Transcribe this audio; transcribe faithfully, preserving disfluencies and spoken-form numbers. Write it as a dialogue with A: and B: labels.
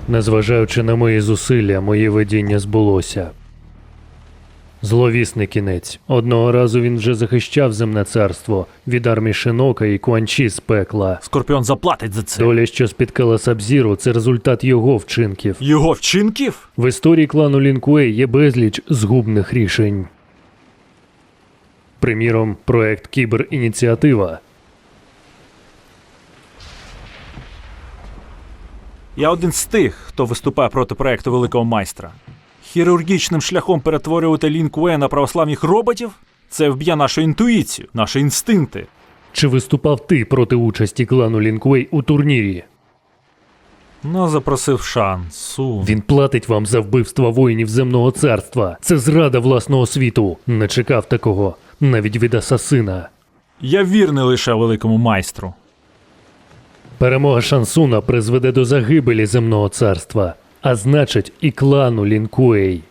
A: Незважаючи на мої зусилля, моє видіння збулося. Зловісний кінець. Одного разу він вже захищав земне царство від армії Шинока і Куан Чі з пекла.
B: Скорпіон заплатить за це.
A: Доля, що спіткала Саб-Зіро, це результат його вчинків.
B: Його вчинків?
A: В історії клану Лін Куей є безліч згубних рішень. Приміром, проект «Кіберініціатива».
B: Я один з тих, хто виступає проти проекту Великого Майстра. Хірургічним шляхом перетворювати Лін Куей на православних роботів? Це вб'є нашу інтуїцію, наші інстинкти.
A: Чи виступав ти проти участі клану Лін Куей у турнірі?
B: Ну, запросив Шан Сун.
A: Він платить вам за вбивство воїнів земного царства. Це зрада власного світу. Не чекав такого, навіть від асасина.
B: Я вірний лише Великому Майстру.
A: Перемога Шансуна призведе до загибелі земного царства, а значить і клану Лін Куей.